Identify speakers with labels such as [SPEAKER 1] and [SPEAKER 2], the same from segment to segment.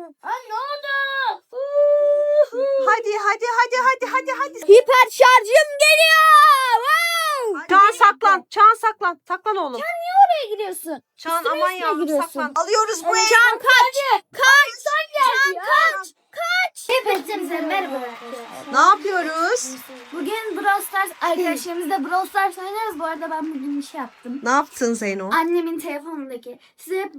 [SPEAKER 1] Ne oldu?
[SPEAKER 2] Hadi.
[SPEAKER 1] Hiper şarjım geliyor.
[SPEAKER 2] Çağan saklan. Çağan saklan. Saklan oğlum.
[SPEAKER 1] Nereye gidiyorsun?
[SPEAKER 2] Çağan
[SPEAKER 1] Üstüne
[SPEAKER 2] aman
[SPEAKER 1] üstüne
[SPEAKER 2] yavrum
[SPEAKER 1] giriyorsun.
[SPEAKER 2] saklan. Alıyoruz bu evi.
[SPEAKER 1] Can kaç. Kaç. Hepinize merhaba arkadaşlar.
[SPEAKER 2] Ne yapıyoruz?
[SPEAKER 1] Bugün Brawl Stars arkadaşlarımızla Brawl Stars oynarız. Bu arada ben bugün bir şey yaptım.
[SPEAKER 2] Ne yaptın Zeyno?
[SPEAKER 1] Annemin telefonundaki size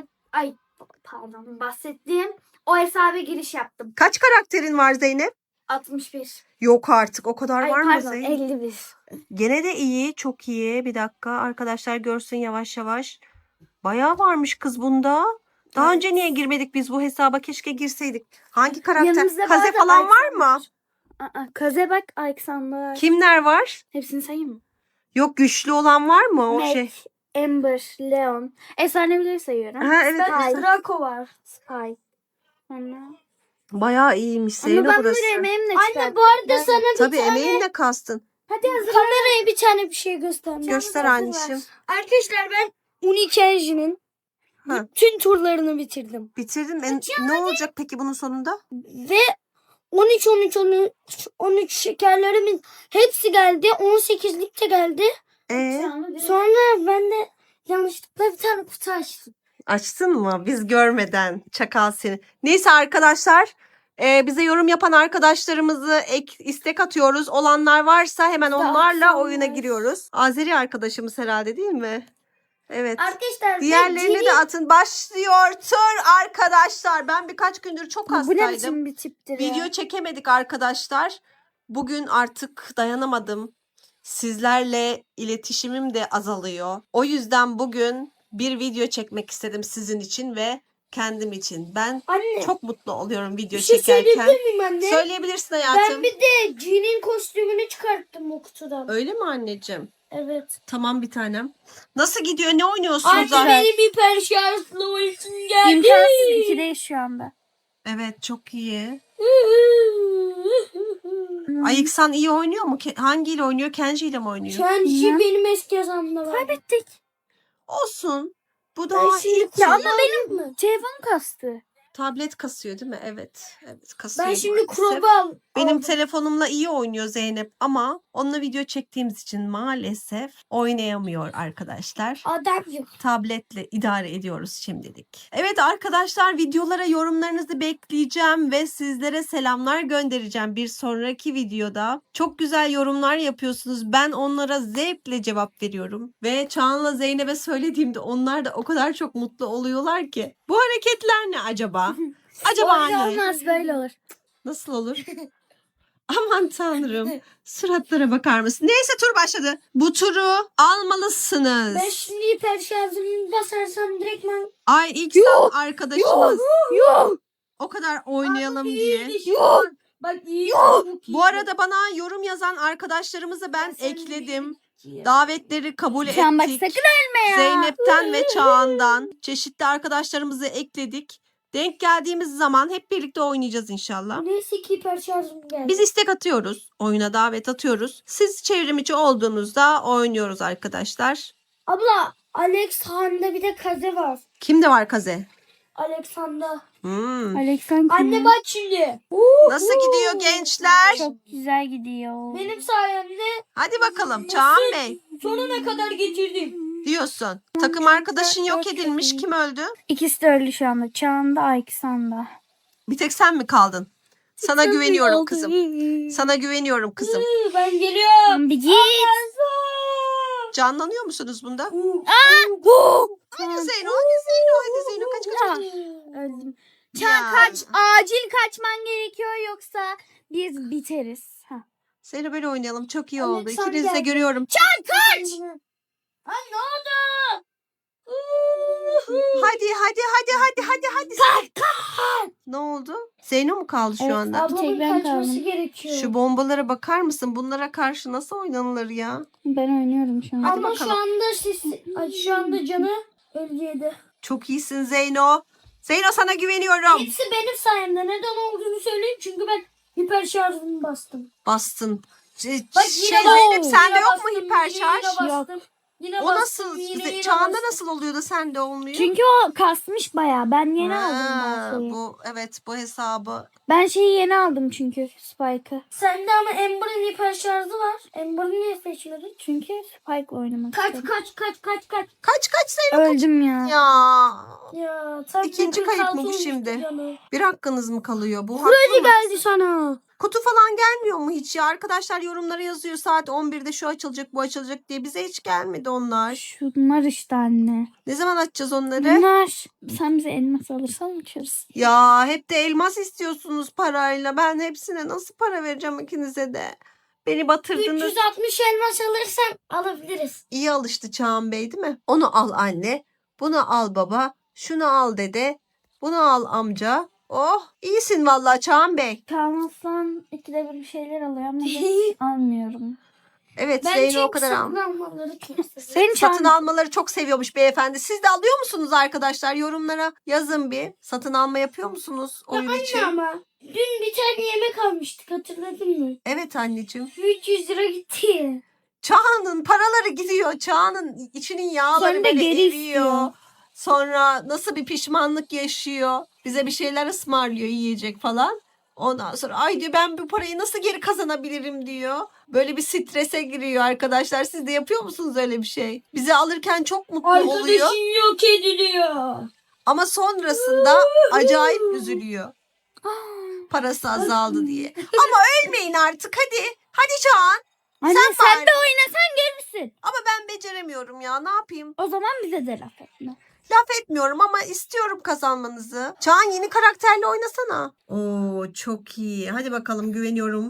[SPEAKER 1] bahsettiğim o hesaba giriş yaptım.
[SPEAKER 2] Kaç karakterin var Zeynep?
[SPEAKER 1] 61.
[SPEAKER 2] Yok artık o kadar var mı
[SPEAKER 1] Pardon
[SPEAKER 2] Zeynep?
[SPEAKER 1] 51.
[SPEAKER 2] Gene de iyi, çok iyi. Bir dakika arkadaşlar görsün yavaş yavaş. Bayağı varmış kız bunda. Daha önce niye girmedik biz bu hesaba? Keşke girseydik. Hangi karakter?
[SPEAKER 1] Yanımızda
[SPEAKER 2] Kaze
[SPEAKER 1] bu arada
[SPEAKER 2] falan var mı?
[SPEAKER 1] Kaze bak, Alexander.
[SPEAKER 2] Kimler var?
[SPEAKER 1] Hepsini sayayım mı?
[SPEAKER 2] Yok güçlü olan var mı o
[SPEAKER 1] Mac,
[SPEAKER 2] şey?
[SPEAKER 1] Amber, Leon. Efsanevileri sayıyorum.
[SPEAKER 2] Ha, evet,
[SPEAKER 1] Spy,
[SPEAKER 2] evet.
[SPEAKER 1] Draco var. Spy. Sonra...
[SPEAKER 2] Bayağı iyiymiş Zeyno
[SPEAKER 1] Ama ben
[SPEAKER 2] burası.
[SPEAKER 1] bunları emeğimle çıkarttım. Anne bu arada sana bir
[SPEAKER 2] Tabii
[SPEAKER 1] tane...
[SPEAKER 2] emeğinle kastın.
[SPEAKER 1] Hadi hazır. Kameraya bir tane bir şey göstermem.
[SPEAKER 2] Göster anneciğim.
[SPEAKER 1] Arkadaşlar ben Unique Engine'in
[SPEAKER 2] Ha.
[SPEAKER 1] bütün turlarını bitirdim.
[SPEAKER 2] Bitirdin. Ne olacak peki bunun sonunda?
[SPEAKER 1] Ve 13 şekerlerimin hepsi geldi. 18'lik de geldi. Sonra ben de yanlışlıkla bir tane kutu açtım.
[SPEAKER 2] Açtın mı? Biz görmeden. Çakal seni. Neyse arkadaşlar. Bize yorum yapan arkadaşlarımızı istek atıyoruz. Olanlar varsa hemen onlarla oyuna giriyoruz. Azeri arkadaşımız herhalde değil mi? Evet.
[SPEAKER 1] Arkadaşlar
[SPEAKER 2] Diğerlerini de atın. Başlıyor tur arkadaşlar. Ben birkaç gündür çok
[SPEAKER 1] bu ne
[SPEAKER 2] hastaydım.
[SPEAKER 1] biçim bir tiptir
[SPEAKER 2] Video
[SPEAKER 1] ya?
[SPEAKER 2] çekemedik arkadaşlar. Bugün artık dayanamadım. Sizlerle iletişimim de azalıyor. O yüzden bugün bir video çekmek istedim sizin için ve kendim için. Ben
[SPEAKER 1] Anne,
[SPEAKER 2] çok mutlu oluyorum video
[SPEAKER 1] bir şey
[SPEAKER 2] çekerken.
[SPEAKER 1] söyleyebilir miyim anne?
[SPEAKER 2] Söyleyebilirsin hayatım.
[SPEAKER 1] Ben bir de Jean'in kostümünü çıkarttım o kutudan.
[SPEAKER 2] Öyle mi anneciğim?
[SPEAKER 1] Evet.
[SPEAKER 2] Tamam bir tanem. Nasıl gidiyor? Ne oynuyorsunuz?
[SPEAKER 1] Anne benim hiper şarjlı oyun geldi. İmkansız 2'deyiz şu anda.
[SPEAKER 2] Evet çok iyi. Ayıksan iyi oynuyor mu? Hangiyle oynuyor? Kenji ile mi oynuyor?
[SPEAKER 1] Kenji benim eski hesabımda var. Kaybettik.
[SPEAKER 2] Olsun. Bu daha ilk
[SPEAKER 1] Ya
[SPEAKER 2] tur.
[SPEAKER 1] ama benim telefonum kastı.
[SPEAKER 2] Tablet kasıyor değil mi? Evet. Evet kasıyor.
[SPEAKER 1] Ben şimdi
[SPEAKER 2] maalesef.
[SPEAKER 1] Crow'u
[SPEAKER 2] Benim telefonumla iyi oynuyor Zeynep ama onunla video çektiğimiz için maalesef oynayamıyor arkadaşlar.
[SPEAKER 1] adam yok.
[SPEAKER 2] Tabletle idare ediyoruz şimdilik. Evet arkadaşlar videolara yorumlarınızı bekleyeceğim ve sizlere selamlar göndereceğim bir sonraki videoda. Çok güzel yorumlar yapıyorsunuz. Ben onlara zevkle cevap veriyorum. Ve Çağan'la Zeynep'e söylediğimde onlar da o kadar çok mutlu oluyorlar ki. Bu hareketler ne acaba? Acaba
[SPEAKER 1] Öyle
[SPEAKER 2] ne?
[SPEAKER 1] olmaz, böyle olur.
[SPEAKER 2] Nasıl olur? Aman tanrım. Suratlara bakar mısın? Neyse tur başladı. Bu turu almalısınız.
[SPEAKER 1] Ben şimdi hiper şarjımı basarsam direktmen...
[SPEAKER 2] Ay ilk arkadaşımız.
[SPEAKER 1] Yok.
[SPEAKER 2] O kadar oynayalım diye.
[SPEAKER 1] Yok. Bak iyi.
[SPEAKER 2] Bu arada bana yorum yazan arkadaşlarımızı ben ekledim. Davetleri kabul
[SPEAKER 1] Sen bak
[SPEAKER 2] ettik.
[SPEAKER 1] sakın ölme ya.
[SPEAKER 2] Zeynep'ten ve Çağan'dan çeşitli arkadaşlarımızı ekledik. Denk geldiğimiz zaman hep birlikte oynayacağız inşallah.
[SPEAKER 1] Neyse ki hiper şarjım geldi.
[SPEAKER 2] Biz istek atıyoruz. Oyuna davet atıyoruz. Siz çevrimiçi olduğunuzda oynuyoruz arkadaşlar.
[SPEAKER 1] Abla Alexander'da bir de Kaze var.
[SPEAKER 2] Kimde var Kaze?
[SPEAKER 1] Alexander.
[SPEAKER 2] Hmm.
[SPEAKER 1] Anne bak şimdi.
[SPEAKER 2] Nasıl gidiyor gençler?
[SPEAKER 1] Çok güzel gidiyor. Benim sayemde
[SPEAKER 2] Hadi bakalım Çağan Bey
[SPEAKER 1] sonuna kadar getirdim.
[SPEAKER 2] diyorsun. Takım arkadaşın yok edilmiş. Kim öldü?
[SPEAKER 1] İkisi de öldü şu anda. Çağında, Alexander.
[SPEAKER 2] Bir tek sen mi kaldın? Sana güveniyorum kızım. Sana güveniyorum kızım.
[SPEAKER 1] Ben geliyorum. Bir git.
[SPEAKER 2] Canlanıyor musunuz bunda? Hadi
[SPEAKER 1] Hadi
[SPEAKER 2] Zeyno, hadi Zeyno, hadi Zeyno. Kaç.
[SPEAKER 1] Öldüm.
[SPEAKER 2] Ya.
[SPEAKER 1] Çağan kaç. Acil kaçman gerekiyor yoksa biz biteriz.
[SPEAKER 2] Zeyno böyle oynayalım. Çok iyi oldu.
[SPEAKER 1] Alexander
[SPEAKER 2] İkinizi de
[SPEAKER 1] geldi.
[SPEAKER 2] görüyorum.
[SPEAKER 1] Çağan kaç. Ne oldu?
[SPEAKER 2] Hadi. Ne oldu? Zeyno mu kaldı şu anda?
[SPEAKER 1] Ablamın kaçması gerekiyor.
[SPEAKER 2] Şu bombalara bakar mısın? Bunlara karşı nasıl oynanılır ya?
[SPEAKER 1] Ben oynuyorum şu an.
[SPEAKER 2] Hadi
[SPEAKER 1] Ama
[SPEAKER 2] bakalım.
[SPEAKER 1] şu anda canı öldüydü.
[SPEAKER 2] Çok iyisin Zeyno. Zeyno sana güveniyorum.
[SPEAKER 1] Hepsi benim sayemde. Neden olduğunu söyleyeyim. Çünkü ben hiper şarjımı bastım.
[SPEAKER 2] Bastın.
[SPEAKER 1] Bak
[SPEAKER 2] Zeynep sende yok mu hiper şarj?
[SPEAKER 1] Yok. Yine
[SPEAKER 2] O
[SPEAKER 1] bastım,
[SPEAKER 2] nasıl?
[SPEAKER 1] yine
[SPEAKER 2] Çağında
[SPEAKER 1] bastım.
[SPEAKER 2] nasıl oluyor da sende olmuyor?
[SPEAKER 3] Çünkü o kasmış bayağı. Ben yeni aldım
[SPEAKER 2] Ha,
[SPEAKER 3] ben şeyi.
[SPEAKER 2] bu hesabı.
[SPEAKER 3] Ben şeyi yeni aldım çünkü Spike'ı.
[SPEAKER 1] Sende ama Amber'ın hiper şarjı var. Amber'ı niye seçmedin?
[SPEAKER 3] Çünkü Spike oynamak
[SPEAKER 1] Kaç
[SPEAKER 3] istedim.
[SPEAKER 2] Kaç sayı
[SPEAKER 3] Öldüm ya.
[SPEAKER 2] ya.
[SPEAKER 1] Ya sen
[SPEAKER 2] İkinci kayıp mı bu şimdi? Bir hakkınız mı kalıyor? Bu
[SPEAKER 1] Freddy
[SPEAKER 2] haklı mı?
[SPEAKER 1] geldi sana.
[SPEAKER 2] Kutu falan gelmiyor mu hiç ya? Arkadaşlar yorumlara yazıyor saat 11'de şu açılacak bu açılacak diye. Bize hiç gelmedi onlar.
[SPEAKER 3] Şunlar işte anne.
[SPEAKER 2] Ne zaman açacağız onları?
[SPEAKER 3] Bunlar. Sen bize elmas alırsan açarız.
[SPEAKER 2] Ya hep de elmas istiyorsunuz parayla. Ben hepsine nasıl para vereceğim ikinize de? Beni batırdınız.
[SPEAKER 1] 360 elmas alırsan alabiliriz.
[SPEAKER 2] İyi alıştı Çağan Bey değil mi? Onu al anne. Bunu al baba. Şunu al dede. Bunu al amca. Oh iyisin vallahi Çağan Bey.
[SPEAKER 3] Kalmazsan ikide bir şeyler alıyor ama ben almıyorum.
[SPEAKER 2] Evet
[SPEAKER 1] Ben
[SPEAKER 2] Zeyno
[SPEAKER 1] çünkü
[SPEAKER 2] o kadar al.
[SPEAKER 1] satın almaları çok seviyorum.
[SPEAKER 3] Senin
[SPEAKER 2] Satın
[SPEAKER 3] çağın-
[SPEAKER 2] almaları çok seviyormuş beyefendi. Siz de alıyor musunuz arkadaşlar? Yorumlara yazın bir. Satın alma yapıyor musunuz oyun için?
[SPEAKER 1] Ama dün bir tane yemek almıştık, hatırladın mı?
[SPEAKER 2] Evet anneciğim.
[SPEAKER 1] 300 lira gitti.
[SPEAKER 2] Çağan'ın paraları gidiyor. Çağan'ın içinin yağları
[SPEAKER 3] Sen de
[SPEAKER 2] böyle
[SPEAKER 3] geri
[SPEAKER 2] eriyor.
[SPEAKER 3] istiyor.
[SPEAKER 2] Sonra nasıl bir pişmanlık yaşıyor. Bize bir şeyler ısmarlıyor yiyecek falan. Ondan sonra ay diyor ben bu parayı nasıl geri kazanabilirim diyor. Böyle bir strese giriyor arkadaşlar. Siz de yapıyor musunuz öyle bir şey? Bizi alırken çok mutlu oluyor.
[SPEAKER 1] Arkadaşın yok ediliyor.
[SPEAKER 2] Ama sonrasında acayip üzülüyor. Parası azaldı diye. Ama ölmeyin artık hadi. Hadi Çağan.
[SPEAKER 3] Anne
[SPEAKER 2] Sen
[SPEAKER 3] sen,
[SPEAKER 2] bari.
[SPEAKER 3] de oynasan gelirsin.
[SPEAKER 2] Ama ben beceremiyorum ya ne yapayım?
[SPEAKER 3] O zaman bize de laf etme.
[SPEAKER 2] Laf etmiyorum ama istiyorum kazanmanızı. Çağan yeni karakterle oynasana. Oo çok iyi. Hadi bakalım güveniyorum.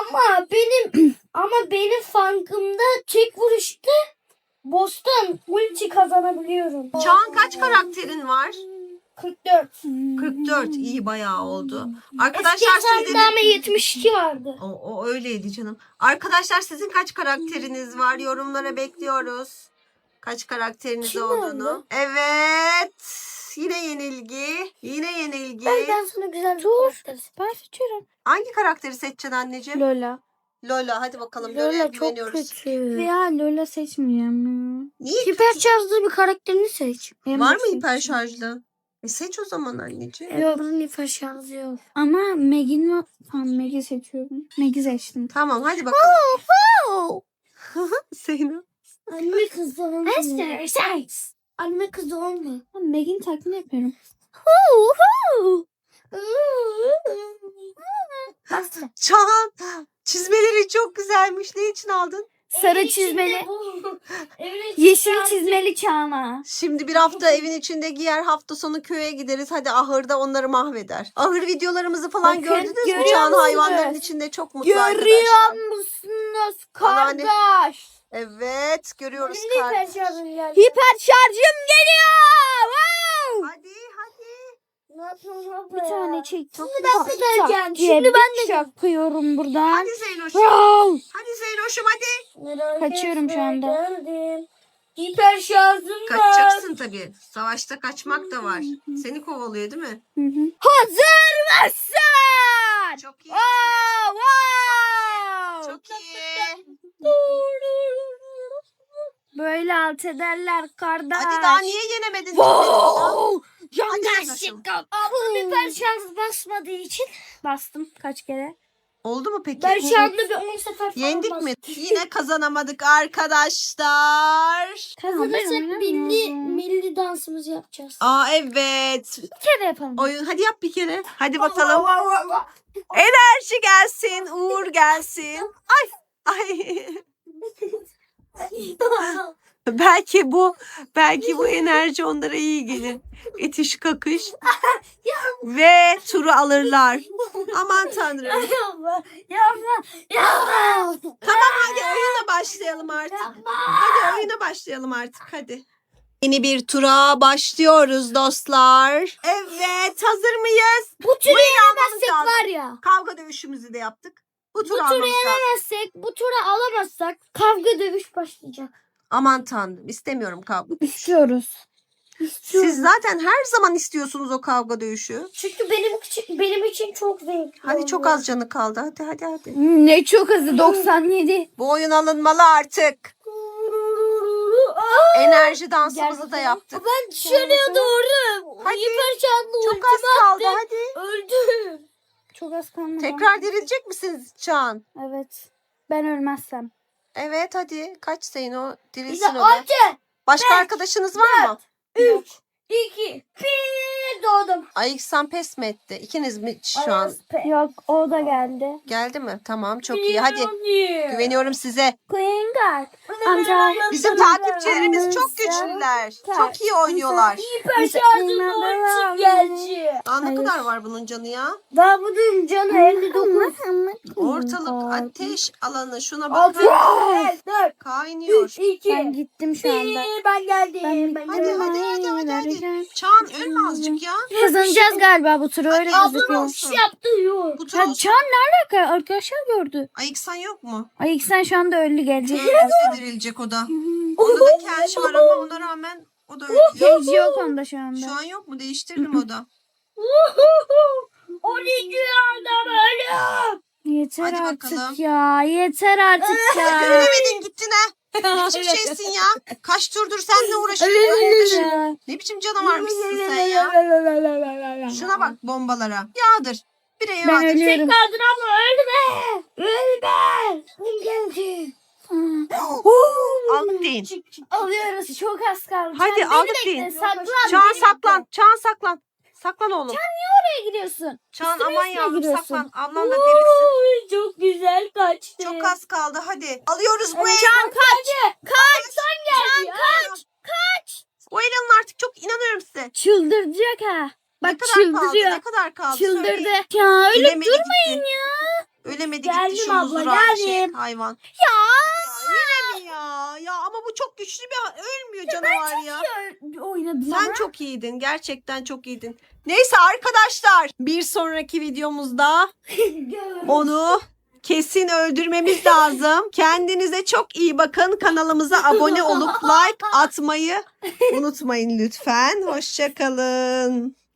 [SPEAKER 1] Ama benim funkımda tek vuruşta boss'tan ulti kazanabiliyorum.
[SPEAKER 2] Çağan kaç karakterin var?
[SPEAKER 1] 44.
[SPEAKER 2] 44. İyi bayağı oldu.
[SPEAKER 1] Eski
[SPEAKER 2] Arkadaşlar
[SPEAKER 1] hesabımda
[SPEAKER 2] sizin...
[SPEAKER 1] ama 72 vardı.
[SPEAKER 2] O öyleydi canım. Arkadaşlar sizin kaç karakteriniz var? Yorumlara bekliyoruz. Kaç karakteriniz
[SPEAKER 1] Kim
[SPEAKER 2] olduğunu.
[SPEAKER 1] oldu?
[SPEAKER 2] Evet. Yine yenilgi. Yine yenilgi.
[SPEAKER 1] Ben sana güzel bir karakter.
[SPEAKER 3] Ben seçiyorum.
[SPEAKER 2] Hangi karakteri seçeceksin anneciğim?
[SPEAKER 3] Lola.
[SPEAKER 2] Lola. Hadi bakalım. Lola'ya
[SPEAKER 1] Lola çok
[SPEAKER 2] güveniyoruz.
[SPEAKER 1] kötü.
[SPEAKER 3] Veya Lola seçmeyeceğim ya.
[SPEAKER 2] Niye?
[SPEAKER 1] Hiper şarjlı bir karakterini seç.
[SPEAKER 2] Var mı hiper şarjlı? Seç o zaman anneciğim.
[SPEAKER 1] Yok. Bunun hiper şarjı yok.
[SPEAKER 3] Ama Meg'in var. Tamam Meg'i seçiyorum. Meg'i seçtim.
[SPEAKER 2] Tamam hadi bakalım. Zeynep.
[SPEAKER 1] Anime kızı olma.
[SPEAKER 3] Esther,
[SPEAKER 1] Anime kızı olma.
[SPEAKER 3] Meg'in taklidini yapıyorum.
[SPEAKER 2] Çağan çizmeleri çok güzelmiş. Ne için aldın?
[SPEAKER 3] Sarı
[SPEAKER 1] Evin içinde
[SPEAKER 3] çizmeli.
[SPEAKER 1] bu. Evin içinde
[SPEAKER 3] Yeşil
[SPEAKER 1] artık-
[SPEAKER 3] çizmeli Çağla.
[SPEAKER 2] Şimdi bir hafta evin içinde giyer, hafta sonu köye gideriz. Hadi ahırda onları mahveder. Ahır videolarımızı falan
[SPEAKER 3] Bakın,
[SPEAKER 2] gördünüz mü?
[SPEAKER 3] görüyor
[SPEAKER 2] Çağan
[SPEAKER 3] musunuz?
[SPEAKER 2] hayvanların içinde çok mutlu arkadaşlar.
[SPEAKER 3] Görüyor musunuz
[SPEAKER 2] Anneanne-
[SPEAKER 3] kardeş?
[SPEAKER 2] Evet görüyoruz
[SPEAKER 1] Benim de hiper
[SPEAKER 2] kardeş.
[SPEAKER 1] şarjım geldi.
[SPEAKER 3] Hiper şarjım geliyor. Wow!
[SPEAKER 2] Hadi hadi.
[SPEAKER 1] Ne yapıyorsun abla
[SPEAKER 3] Bir
[SPEAKER 1] ya?
[SPEAKER 3] tane çek.
[SPEAKER 1] Şimdi ben de geleceğim.
[SPEAKER 3] Diye
[SPEAKER 1] Şimdi
[SPEAKER 3] bir
[SPEAKER 1] ben de
[SPEAKER 3] çakıyorum buradan.
[SPEAKER 2] Hadi Zeynoş'um.
[SPEAKER 3] Wow!
[SPEAKER 2] Hadi Zeynoş'um hadi.
[SPEAKER 1] Merak
[SPEAKER 3] Kaçıyorum şu
[SPEAKER 1] etme,
[SPEAKER 3] anda.
[SPEAKER 1] geldim. Hiper şarjım var.
[SPEAKER 2] Kaçacaksın tabii. Savaşta kaçmak da var. Seni kovalıyor değil mi?
[SPEAKER 3] Hı hı. Hazır mısın?
[SPEAKER 2] Çok iyi.
[SPEAKER 3] Oh, wow!
[SPEAKER 2] Çok iyi.
[SPEAKER 3] Böyle alt ederler kardeş.
[SPEAKER 2] Hadi daha niye yenemedin?
[SPEAKER 3] Wow!
[SPEAKER 2] Hadi
[SPEAKER 3] Yanlış
[SPEAKER 2] Zeynoş'um.
[SPEAKER 1] Ablam hiper şarj basmadığı için
[SPEAKER 3] Bastım kaç kere?
[SPEAKER 2] Oldu mu peki?
[SPEAKER 1] ben şu anda bir 10 sefer falan
[SPEAKER 2] Yendik
[SPEAKER 1] bastım.
[SPEAKER 2] mi? Yine kazanamadık arkadaşlar.
[SPEAKER 1] Kazanırsak milli dansımızı yapacağız.
[SPEAKER 2] Aa evet.
[SPEAKER 3] Bir kere yapalım.
[SPEAKER 2] Oyun hadi yap bir kere. Hadi bakalım. Enerji gelsin, uğur gelsin. Ay. Ay. belki bu enerji onlara iyi gelir. İtiş kakış. Ve turu alırlar. Aman tanrım.
[SPEAKER 1] Yapma, yapma, yapma.
[SPEAKER 2] Hadi oyuna başlayalım artık. Hadi oyuna başlayalım artık hadi. Yeni bir tura başlıyoruz dostlar. Evet hazır mıyız?
[SPEAKER 1] Bu turu
[SPEAKER 2] Almamız
[SPEAKER 1] yenemezsek
[SPEAKER 2] lazım.
[SPEAKER 1] var ya.
[SPEAKER 2] Kavga dövüşümüzü de yaptık. Bu
[SPEAKER 1] Bu
[SPEAKER 2] turu
[SPEAKER 1] turu
[SPEAKER 2] almamız lazım.
[SPEAKER 1] yenemezsek, bu turu alamazsak kavga dövüş başlayacak.
[SPEAKER 2] Aman tanrım istemiyorum kavga.
[SPEAKER 3] İstiyoruz.
[SPEAKER 2] Siz zaten her zaman istiyorsunuz o kavga dövüşü.
[SPEAKER 1] Çünkü benim için çok zevkli.
[SPEAKER 2] Hadi çok
[SPEAKER 1] oluyor.
[SPEAKER 2] az canı kaldı. Hadi.
[SPEAKER 3] Ne çok hızlı 97.
[SPEAKER 2] Bu oyun alınmalı artık. Enerji dansımızı da
[SPEAKER 3] Gerçekten.
[SPEAKER 2] yaptık.
[SPEAKER 1] Ben dışarıya doğru.
[SPEAKER 2] Hadi.
[SPEAKER 1] Hiper şartlı
[SPEAKER 2] Çok
[SPEAKER 1] ultimi
[SPEAKER 2] az kaldı
[SPEAKER 1] attım.
[SPEAKER 2] hadi.
[SPEAKER 1] Öldüm.
[SPEAKER 3] Çok az kaldı.
[SPEAKER 2] Tekrar dirilecek misiniz Çağan?
[SPEAKER 3] Evet. Ben ölmezsem.
[SPEAKER 2] Evet hadi. Kaç sayın o?
[SPEAKER 1] Bir de
[SPEAKER 2] Dirilsin o da.
[SPEAKER 1] 6,
[SPEAKER 2] Başka arkadaşınız var mı?
[SPEAKER 1] 3, 2, 1 doğdum.
[SPEAKER 2] Ay İhsan pes mi etti? İkiniz mi şu an?
[SPEAKER 3] Yok o da geldi.
[SPEAKER 2] Geldi mi? Tamam çok iyi. Hadi. Güveniyorum size.
[SPEAKER 3] Queen Guard. Amca.
[SPEAKER 2] Bizim takipçilerimiz çok güçlüler. Çok iyi oynuyorlar.
[SPEAKER 1] Hiper şartlı ultim geldi.
[SPEAKER 2] Aa, ne
[SPEAKER 3] Hayır.
[SPEAKER 2] kadar var bunun canı ya?
[SPEAKER 1] Daha bunun canı 59.
[SPEAKER 2] Ortalık ateş alanı. Şuna
[SPEAKER 1] 6,
[SPEAKER 2] bakın.
[SPEAKER 1] 4,
[SPEAKER 2] Kaynıyor.
[SPEAKER 1] 3, 2,
[SPEAKER 3] Ben gittim şu anda.
[SPEAKER 1] 1. Ben geldim. Ben
[SPEAKER 2] Hadi
[SPEAKER 1] geldim.
[SPEAKER 2] hadi. Çağan ölme azıcık ya.
[SPEAKER 3] Kazanacağız galiba bu turu öyle
[SPEAKER 2] Ablam
[SPEAKER 3] gözüküyor.
[SPEAKER 2] olsun.
[SPEAKER 1] Yaptı yok.
[SPEAKER 2] Bu tur
[SPEAKER 3] Ya
[SPEAKER 2] olsun.
[SPEAKER 3] Can ne alaka? Arkadaşlar gördü.
[SPEAKER 2] Ay İhsan yok mu?
[SPEAKER 3] Ay sen şu anda öldü gelecek.
[SPEAKER 2] Öldüyse dirilecek o da. Onda da kenş var ama ona rağmen o da ölüyor.
[SPEAKER 3] Genç yok onda şu anda.
[SPEAKER 2] Şu an yok mu? Değiştirdim o da.
[SPEAKER 1] 12 anda ölüyorum.
[SPEAKER 3] Yeter
[SPEAKER 2] Hadi
[SPEAKER 3] artık
[SPEAKER 2] bakalım.
[SPEAKER 3] ya. Yeter artık ya.
[SPEAKER 2] Ölemedin gittin ha. Ne biçim şeysin ya? Kaç turdur seninle uğraşıyorum. Ne biçim canavarmışsın sen ya? Şuna bak bombalara. Yağdır. Bireye
[SPEAKER 3] Ben
[SPEAKER 2] yağdır.
[SPEAKER 3] ölüyorum.
[SPEAKER 1] Kaldın abla ölme. Ölme. Geldi.
[SPEAKER 2] Aldık deyin.
[SPEAKER 3] Alıyoruz. Çok az kaldı.
[SPEAKER 2] Hadi
[SPEAKER 3] Can,
[SPEAKER 2] aldık
[SPEAKER 3] beni
[SPEAKER 2] deyin.
[SPEAKER 3] bekle, saklan.
[SPEAKER 2] Çağan
[SPEAKER 3] beni
[SPEAKER 2] saklan.
[SPEAKER 3] bekle.
[SPEAKER 2] Çağan saklan. Saklan oğlum.
[SPEAKER 3] Nereye gidiyorsun?
[SPEAKER 2] Çağan
[SPEAKER 3] üstüne
[SPEAKER 2] aman
[SPEAKER 3] üstüne
[SPEAKER 2] yavrum
[SPEAKER 3] giriyorsun.
[SPEAKER 2] saklan. Ablan da dirilsin.
[SPEAKER 1] Çok güzel kaçtı.
[SPEAKER 2] Çok az kaldı hadi. Alıyoruz bu
[SPEAKER 3] Can kaç.
[SPEAKER 2] Kaç. Bu Elan'ın artık çok inanıyorum size.
[SPEAKER 3] Çıldıracak ha.
[SPEAKER 2] Ne
[SPEAKER 3] Bak
[SPEAKER 2] kadar kaldı?
[SPEAKER 3] çıldırıyor.
[SPEAKER 2] Ne kadar kaldı?
[SPEAKER 3] Çıldırdı.
[SPEAKER 2] Söyleyin.
[SPEAKER 3] Ya öyle
[SPEAKER 2] Ölemedi
[SPEAKER 3] durmayın
[SPEAKER 2] gitti.
[SPEAKER 3] ya.
[SPEAKER 2] Ölemedi
[SPEAKER 1] Geldim
[SPEAKER 2] gitti şu
[SPEAKER 1] abla,
[SPEAKER 2] muzduran şey
[SPEAKER 1] geldim.
[SPEAKER 2] hayvan.
[SPEAKER 3] Ya.
[SPEAKER 2] Yine mi ya? Ya ama bu çok güçlü bir ölmüyor canavar ya.
[SPEAKER 3] Oynadım
[SPEAKER 2] Sen
[SPEAKER 3] ama.
[SPEAKER 2] çok iyiydin. Gerçekten çok iyiydin. Neyse arkadaşlar bir sonraki videomuzda onu kesin öldürmemiz lazım. Kendinize çok iyi bakın. Kanalımıza abone olup like atmayı unutmayın lütfen. Hoşça kalın.